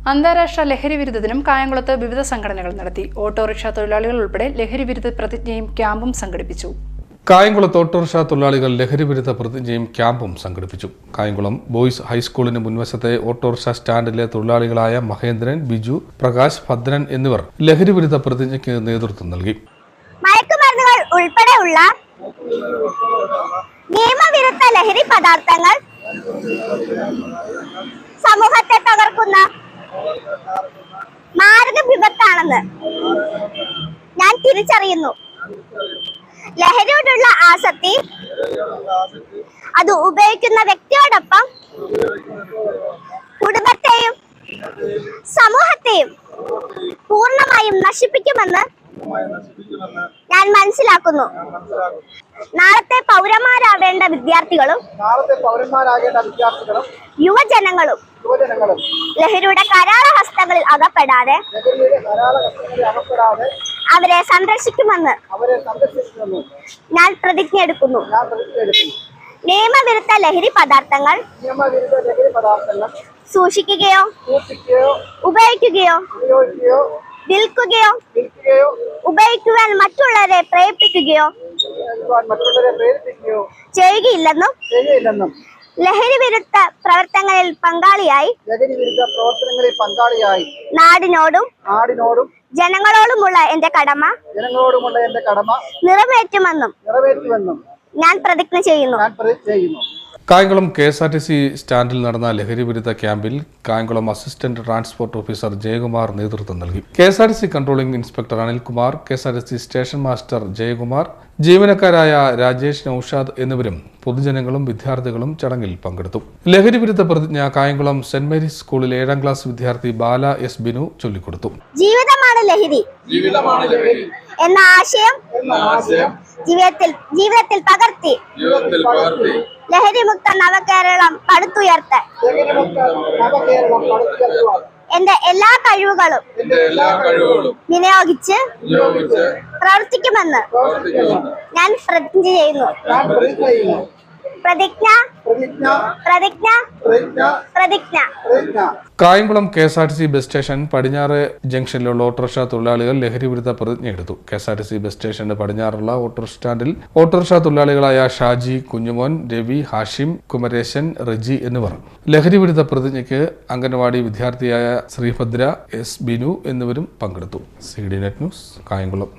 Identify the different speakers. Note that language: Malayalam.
Speaker 1: അന്താരാഷ്ട്ര ലഹരി വിരുദ്ധത്തിനും കായംകുളത്ത് വിവിധ സംഘടനകൾ നടത്തി. ഓട്ടോറിക്ഷ തൊഴിലാളികൾ ഉൾപ്പെടെ ലഹരി വിരുദ്ധ പ്രതിജ്ഞയും ക്യാമ്പും സംഘടിപ്പിച്ചു.
Speaker 2: കായംകുളത്ത് ഓട്ടോറിക്ഷ തൊഴിലാളികൾ ലഹരി വിരുദ്ധ പ്രതിജ്ഞയും ക്യാമ്പും സംഘടിപ്പിച്ചു. കായംകുളം ബോയ്സ് ഹൈസ്കൂളിന് മുൻവശത്തെ ഓട്ടോറിക്ഷ സ്റ്റാൻഡിലെ തൊഴിലാളികളായ മഹേന്ദ്രൻ, ബിജു, പ്രകാശ്, ഭദ്രൻ എന്നിവർ ലഹരി വിരുദ്ധ പ്രതിജ്ഞയ്ക്ക് നേതൃത്വം നൽകി.
Speaker 3: മയക്കുമരുന്നുകൾ ഉൾപ്പെടെയുള്ള നിയമവിരുദ്ധ ലഹരി പദാർത്ഥങ്ങൾ സമൂഹത്തെ തകർക്കുന്ന മാരക വിപത്താണെന്ന് ഞാൻ തിരിച്ചറിയുന്നു. ലഹരിയോടുള്ള ആസക്തി അത് ഉപയോഗിക്കുന്ന വ്യക്തിയോടൊപ്പം കുടുംബത്തെയും സമൂഹത്തെയും പൂർണ്ണമായും നശിപ്പിക്കുമെന്ന് ഞാൻ മനസ്സിലാക്കുന്നു. നാളത്തെ പൗരന്മാരാവേണ്ട വിദ്യാർത്ഥികളും യുവജനങ്ങളും ലഹരിയുടെ കരാള ഹസ്തങ്ങളിൽ അകപ്പെടാതെ അവരെ സംരക്ഷിക്കുമെന്ന് ഞാൻ പ്രതിജ്ഞ എടുക്കുന്നു. നിയമവിരുദ്ധ ലഹരി പദാർത്ഥങ്ങൾ സൂക്ഷിക്കുകയോ ഉപയോഗിക്കുകയോ വിൽക്കുകയോ ഉപയോഗിക്കുവാൻ മറ്റുള്ളവരെ പ്രേരിപ്പിക്കുകയോ ചെയ്യുകയില്ലെന്നും ലഹരി വിരുദ്ധ പ്രവർത്തനങ്ങളിൽ പങ്കാളിയായി നാടിനോടും ജനങ്ങളോടുമുള്ള എന്റെ കടമ നിറവേറ്റുമെന്നും ഞാൻ പ്രതിജ്ഞ ചെയ്യുന്നു.
Speaker 2: കായംകുളം KSRTC സ്റ്റാൻഡിൽ നടന്ന ലഹരി വിരുദ്ധ ക്യാമ്പിൽ Kayamkulam assistant transport officer Jayakumar നേതൃത്വം നൽകി. KSRTC controlling inspector Anilkumar, KSRTC station master Jayakumar, ജീവനക്കാരായ രാജേഷ്, നൌഷാദ് എന്നിവരും പൊതുജനങ്ങളും വിദ്യാർത്ഥികളും ചടങ്ങിൽ പങ്കെടുത്തു. ലഹരി വിരുദ്ധ പ്രതിജ്ഞ കായംകുളം സെന്റ് മേരീസ് സ്കൂളിലെ 7ാം ക്ലാസ് വിദ്യാർത്ഥി ബാല എസ് ബിനു ചൊല്ലിക്കൊടുത്തു.
Speaker 3: ജീവിതമാണ് ലഹരി എന്ന ആശയം ജീവിതത്തിൽ പകർത്തി ലഹരി മുക്ത നവകേരളം പടുത്തുയർത്താൻ എന്റെ എല്ലാ കഴിവുകളും വിനിയോഗിച്ച് പ്രവർത്തിക്കുമെന്ന് ഞാൻ പ്രതിജ്ഞ ചെയ്യുന്നു. പ്രതിജ്ഞ.
Speaker 2: കായംകുളം KSRTC ബസ് സ്റ്റേഷൻ പടിഞ്ഞാറ് ജംഗ്ഷനിലുള്ള ഓട്ടോറിക്ഷ തൊഴിലാളികൾ ലഹരി വിരുദ്ധ പ്രതിജ്ഞ എടുത്തു. KSRTC ബസ് സ്റ്റേഷന്റെ പടിഞ്ഞാറുള്ള ഓട്ടോ സ്റ്റാൻഡിൽ ഓട്ടോറിക്ഷ തൊഴിലാളികളായ ഷാജി, കുഞ്ഞുമോൻ, രവി, ഹാഷിം, കുമരേശൻ, റജി എന്നിവർ ലഹരി വിരുദ്ധ പ്രതിജ്ഞയ്ക്ക് അംഗനവാടി വിദ്യാർത്ഥിയായ ശ്രീഭദ്ര, എസ് ബിനു എന്നിവരും പങ്കെടുത്തു. CD net news, Kayamkulam.